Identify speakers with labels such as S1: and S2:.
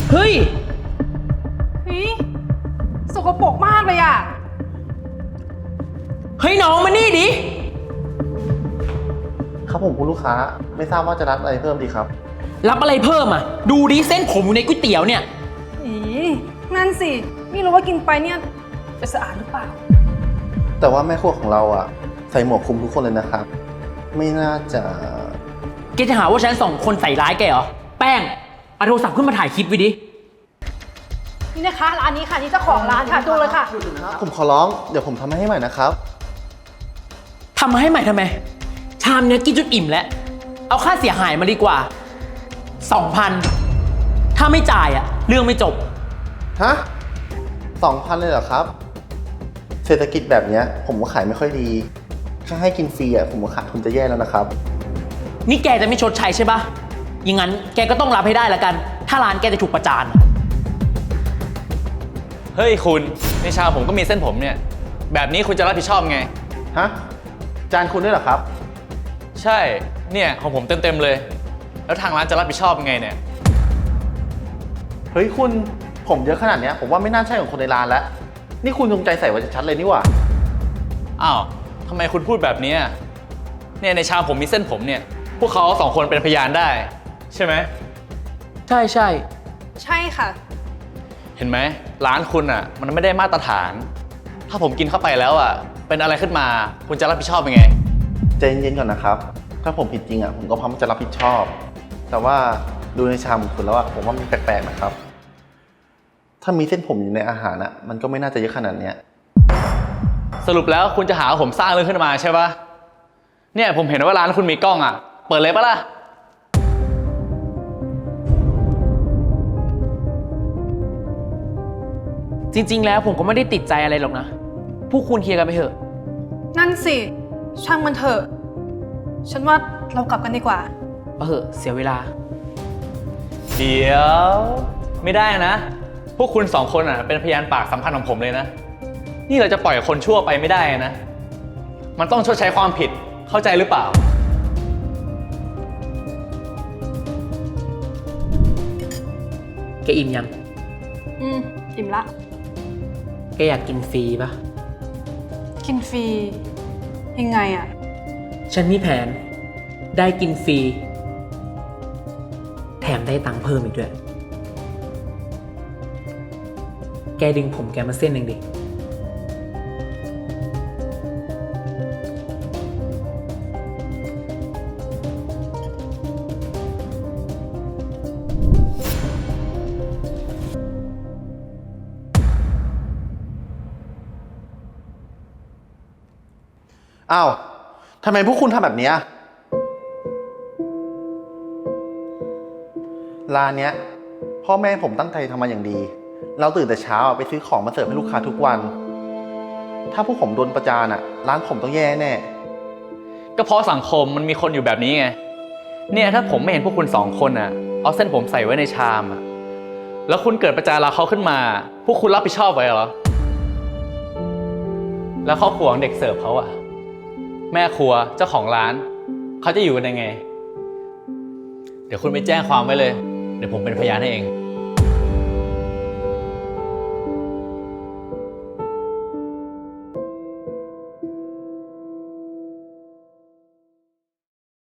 S1: เฮ้ย
S2: สกปรกมากเลยอ่ะ
S1: เฮ้ยน้องมานี่ดิ
S3: ครับผมคุณลูกค้าไม่ทราบว่าจะรับอะไรเพิ่มดีครับ
S1: รับอะไรเพิ่มอ่ะดูดิเส้นผมอยู่ในก๋วยเตี๋ยวเนี่ย
S2: อีนั่นสิไม่รู้ว่ากินไปเนี่ยจะสะอาดหรือเปล่า
S3: แต่ว่าแม่ครัวของเราอ่ะใส่หมวกคลุมทุกคนเลยนะครับไม่น่าจะ
S1: แกจะหาว่าฉันสองคนใส่ร้ายแกเหรอแป้งเอาโทรศัพท์ขึ้นมาถ่ายคลิปไว้ดิ
S2: นี่นะคะร้านนี้ค่ะนี่เจ้าของร้านค่ะดูเลยค่ะ
S3: ผมขอร้องเดี๋ยวผมทำให้ใหม่นะครับ
S1: ทำมาให้ใหม่ทำไมชามเนี้ยกินจนอิ่มแล้วเอาค่าเสียหายมาดีกว่า 2,000 ถ้าไม่จ่ายอ่ะเรื่องไม่จบ
S3: ฮะ2,000เลยเหรอครับเศรษฐกิจแบบนี้ผมก็ขายไม่ค่อยดีถ้าให้กินฟรีอ่ะผมก็ขาดทุนจะแย่แล้วนะครับ
S1: นี่แกจะไม่ชดใช้ใช่ปะอย่างนั้นแกก็ต้องรับให้ได้ละกันถ้าร้านแกจะถูกประจาน
S4: เฮ้ยคุณในชามผมก็มีเส้นผมเนี่ยแบบนี้คุณจะรับผิดชอบไง
S3: ฮะจานคุณด้วยเหรอครับ
S4: ใช่เนี่ยของผมเต็มเลยแล้วทางร้านจะรับผิดชอบยังไงเนี่ย
S3: เฮ้ยคุณผมเยอะขนาดนี้ผมว่าไม่น่าใช่ของคนในร้านแล้วนี่คุณจงใจใส่ไว้ชัดเลยนี่หว่า
S4: อ้าวทำไมคุณพูดแบบนี้เนี่ยในชามผมมีเส้นผมเนี่ยพวกเขาสองคนเป็นพยานได้ใช่ไหม
S1: ใช่
S2: ใช่ค่ะ
S4: เห็นไหมร้านคุณอ่ะมันไม่ได้มาตรฐานถ้าผมกินเข้าไปแล้วอ่ะเป็นอะไรขึ้นมาคุณจะรับผิดชอบยังไง
S3: ใจเย็นๆก่อนนะครับถ้าผมผิดจริงอ่ะผมก็พร้อมจะรับผิดชอบแต่ว่าดูในชามของคุณแล้วอ่ะผมว่ามันแปลกๆนะครับถ้ามีเส้นผมอยู่ในอาหารอ่ะมันก็ไม่น่าจะเยอะขนาดนี้
S4: สรุปแล้วคุณจะหาว่าผมสร้างเรื่องขึ้นมาใช่ปะเนี่ยผมเห็นว่าร้านคุณมีกล้องอ่ะเปิดเลยปะล่ะ
S1: จริงๆแล้วผมก็ไม่ได้ติดใจอะไรหรอกนะพวกคุณเคลียร์กันไปเถอะ
S2: นั่นสิช่างมันเถอะฉันว่าเรากลับกันดีกว่า
S1: เสียเวลา
S4: เดี๋ยวไม่ได้นะพวกคุณสองคนอ่ะเป็นพยานปากสำคัญของผมเลยนะนี่เราจะปล่อยคนชั่วไปไม่ได้นะมันต้องชดใช้ความผิดเข้าใจหรือเปล่า
S1: แกอิ่มยัง
S2: อิ่มละ
S1: แกอยากกินฟรีปะ
S2: กินฟรียังไงอ่ะ
S1: ฉันมีแผนได้กินฟรีแถมได้ตังค์เพิ่มอีกด้วยแกดึงผมแกมาเส้นหนึ่งดิ
S3: อ้าวทำไมพวกคุณทำแบบนี้ร้านเนี้ยพ่อแม่ผมตั้งใจทำมาอย่างดีเราตื่นแต่เช้าไปซื้อของมาเสิร์ฟให้ลูกค้าทุกวันถ้าพวกผมโดนประจานร้านผมต้องแย่แน่
S4: ก็เพราะสังคมมันมีคนอยู่แบบนี้ไงเนี่ยถ้าผมไม่เห็นพวกคุณสองคนเอาเส้นผมใส่ไว้ในชามแล้วคุณเกิดประจานเราเขาขึ้นมาพวกคุณรับผิดชอบไว้เหรอแล้วครอบครัวของเด็กเสิร์ฟเขาแม่ครัวเจ้าของร้านเขาจะอยู่กันยังไงเดี๋ยวคุณไปแจ้งความไว้เลยเดี๋ยวผมเป็นพยานให้เอง